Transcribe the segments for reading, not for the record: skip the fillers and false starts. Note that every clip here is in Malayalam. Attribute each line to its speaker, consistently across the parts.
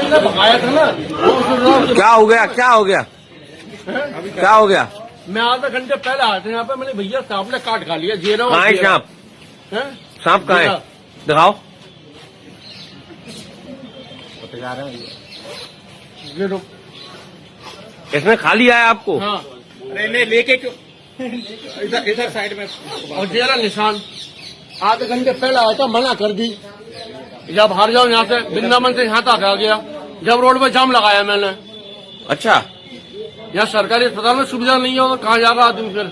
Speaker 1: क्या हो गया, क्या हो गया, क्या हो गया?
Speaker 2: मैं आधे घंटे पहले आया था यहाँ पे, मैंने भैया सांप ने काट खा लिया, जेरा
Speaker 1: कहाँ है सांप? सांप कहाँ है? दिखाओ। इसने खा लिया है आपको?
Speaker 2: हाँ।
Speaker 3: अरे लेके क्यों इधर साइड में
Speaker 2: और जेरा निशान आधे घंटे पहले आया था, मना कर दी। जब हार जाओ यहाँ से, वृंदावन से यहाँ तक आ गया, जब रोड पे जाम लगाया मैंने।
Speaker 1: अच्छा,
Speaker 2: यहाँ सरकारी अस्पताल में सुविधा नहीं होगा, कहाँ जाएगा आदमी फिर?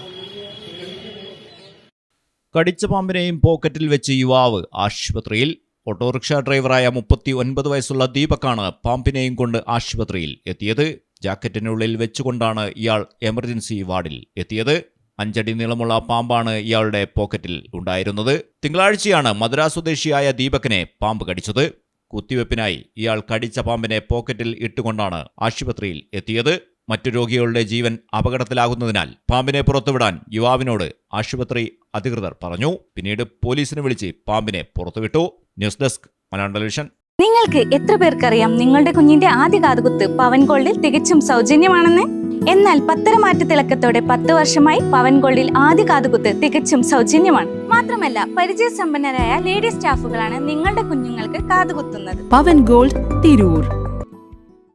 Speaker 4: കടിച്ച പാമ്പിനെയും പോക്കറ്റിൽ വെച്ച് യുവാവ് ആശുപത്രിയിൽ. ഓട്ടോറിക്ഷ ഡ്രൈവറായ 39 വയസ്സുള്ള ദീപക്കാണ് പാമ്പിനെയും കൊണ്ട് ആശുപത്രിയിൽ എത്തിയത്. ജാക്കറ്റിനുള്ളിൽ വെച്ചുകൊണ്ടാണ് ഇയാൾ എമർജൻസി വാർഡിൽ എത്തിയത്. 5 അടി നീളമുള്ള പാമ്പാണ് ഇയാളുടെ പോക്കറ്റിൽ ഉണ്ടായിരുന്നത്. തിങ്കളാഴ്ചയാണ് മദ്രാസ് സ്വദേശിയായ ദീപകിനെ പാമ്പ് കടിച്ചത്. കുത്തിവെപ്പിനായി ഇയാൾ കടിച്ച പാമ്പിനെ പോക്കറ്റിൽ ഇട്ടുകൊണ്ടാണ് ആശുപത്രിയിൽ എത്തിയത്. മറ്റു രോഗികളുടെ ജീവൻ അപകടത്തിലാകുന്നതിനാൽ പാമ്പിനെ പുറത്തുവിടാൻ യുവാവിനോട് ആശുപത്രി അധികൃതർ പറഞ്ഞു. പിന്നീട് പോലീസിനെ വിളിച്ച് പാമ്പിനെ പുറത്തുവിട്ടു. News desk Malayalam television.
Speaker 5: നിങ്ങൾക്ക് എത്ര പേർക്കറിയാം നിങ്ങളുടെ കുഞ്ഞിന്റെ ആദ്യ കാതുകുത്ത് പവൻ ഗോൾഡിൽ തികച്ചും സൗജന്യമാണെന്ന്? എന്നാൽ പത്തരമാറ്റ തിളക്കത്തോടെ 10 വർഷമായി പവൻ ഗോൾഡിൽ ആദ്യ കാതുകുത്ത് തികച്ചും സൗജന്യമാണ്. മാത്രമല്ല, പരിചയസമ്പന്നരായ ലേഡി സ്റ്റാഫുകളാണ് നിങ്ങളുടെ കുഞ്ഞുങ്ങൾക്ക് കാതുകുത്തുന്നത്.
Speaker 6: പവൻ ഗോൾഡ് തിരൂർ.